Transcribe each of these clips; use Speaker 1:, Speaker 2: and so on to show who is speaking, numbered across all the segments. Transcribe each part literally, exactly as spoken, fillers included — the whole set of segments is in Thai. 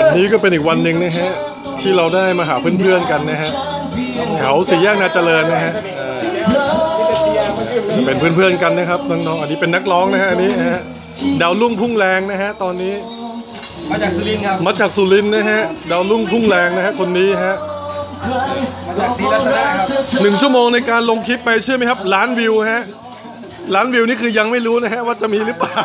Speaker 1: นี่ก็เป็นอีกวันหนึ่งนะฮะที่เราได้มาหาเพื่อนๆกันนะฮะแถวสี่แยกนาเจริญนะฮะเป็นเพื่อนๆกันนะครับน้องๆอันนี้เป็นนักร้องนะฮะอันนี้นะฮะดาวรุ่งพุ่งแรงนะฮะตอนนี้
Speaker 2: มาจากสุรินทร์ครับ
Speaker 1: มาจากสุรินทร์นะฮะดาวรุ่งพุ่งแรงนะฮะคนนี้ฮะ
Speaker 2: มาจากศรีรัตนะครับ
Speaker 1: หนึ่งชั่วโมงในการลงคลิปไปเชื่อไหมครับล้านวิวฮะล้านวิวนี่คือยังไม่รู้นะฮะว่าจะมีหรือเปล่า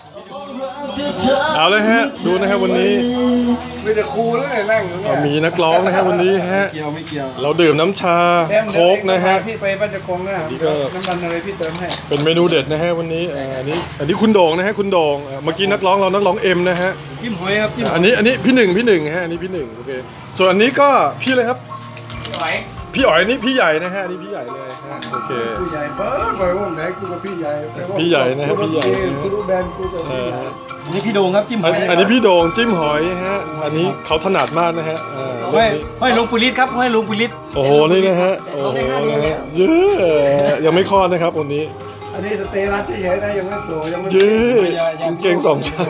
Speaker 1: เอาเลยฮะดูนะฮะวันนี้
Speaker 2: มีแต่ครูแล้วนั่งอยู่เนี่ย
Speaker 1: มีนักร้องนะฮะวันนี้ฮะ
Speaker 2: เกี่ยวไม่เกี่ยว
Speaker 1: เราดื่มน้ำชาโค้กนะฮะ
Speaker 2: พี่ไปบ้านจะคงนะน้ำมันอะไรพี่เติมให้
Speaker 1: เป็นเมนูเด็ดนะฮะวันนี้อันนี้อันนี้คุณโด่งนะฮะคุณโด่งเมื่อกี้นักร้องเรานักร้องเอ็มนะฮะ
Speaker 2: จิ้มหอยครับจิ้ม
Speaker 1: อันนี้อันนี้พี่หนึ่งพี่หนึ่งฮะอันนี้พี่หนึ่งโอเคส่วนอันนี้ก็พี่เลยครับพี่อ๋อยนี่พี่ใหญ่นะฮะนี่พี่ใหญ่เลยฮะโอเค
Speaker 2: พี่ใหญ่เบิร์ดไปวงไหนกูกับพี่ใหญ่
Speaker 1: พี่ใหญ่นะฮะพี่ใหญ่
Speaker 2: กูรู้แบนกูกับพี่ใหญ่อันนี้พี่โด่งครับจิ้มหอย
Speaker 1: อันนี้พี่โด่งจิ้มหอยฮะอันนี้เขาถนัดมากนะฮะ
Speaker 2: ห้อยห้อยลุงปุริศครับห้อยลุงปุริศ
Speaker 1: โอ้โหนี่นะฮะโอ้โหนะฮะเยอะยังไม่คลอดนะครับวันนี้
Speaker 2: อันนี้สเตรัสเฉยๆนะยังไม่โตยังไม่
Speaker 1: เยอะเก่งสองชั้น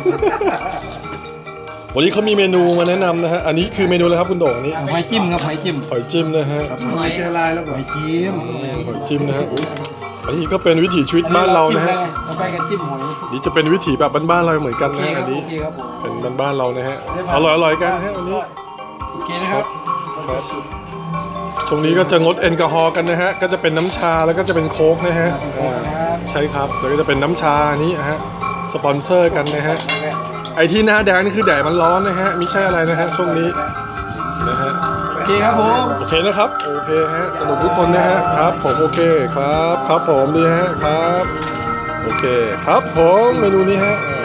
Speaker 1: วันนี้เขามีเมนูมาแนะนำนะฮะอันนี้คือเมนูอะไรครับคุณโด่งอันนี้
Speaker 2: หอยจิ้มครับหอยจิ้ม
Speaker 1: หอยจิ้มนะฮะ
Speaker 2: หอยเจลายแล้วหอยจิ้ม
Speaker 1: หอยจิ้มนะฮะอันนี้ก็เป็นวิถีชีวิตบ้านเรานะฮะ
Speaker 2: เราไปกันจิ้มหอย
Speaker 1: นี่จะเป็นวิถีแบบบ้านๆเราเหมือนกันนะอันนี้เป็นบ้านๆเรานะฮะอร่อยๆกันฮะอันนี้
Speaker 2: โอเคนะครับ
Speaker 1: ช่วงนี้ก็จะงดแอลกอฮอล์กันนะฮะก็จะเป็นน้ำชาแล้วก็จะเป็นโค้กนะฮะใช่ครับแล้วก็จะเป็นน้ำชานี้ฮะสปอนเซอร์กันนะฮะไอที่หน้าแดงนี่คือแดดมันร้อนนะฮะไม่ใช่อะไรนะฮะช่วงนี้นะฮะ
Speaker 2: โอเคครับผม
Speaker 1: โอเคนะครับโอเคฮะสนุกทุกคนนะฮะครับผมโอเคครับครับผมดีฮะครับโอเคครับผมเมนูนี้ฮะ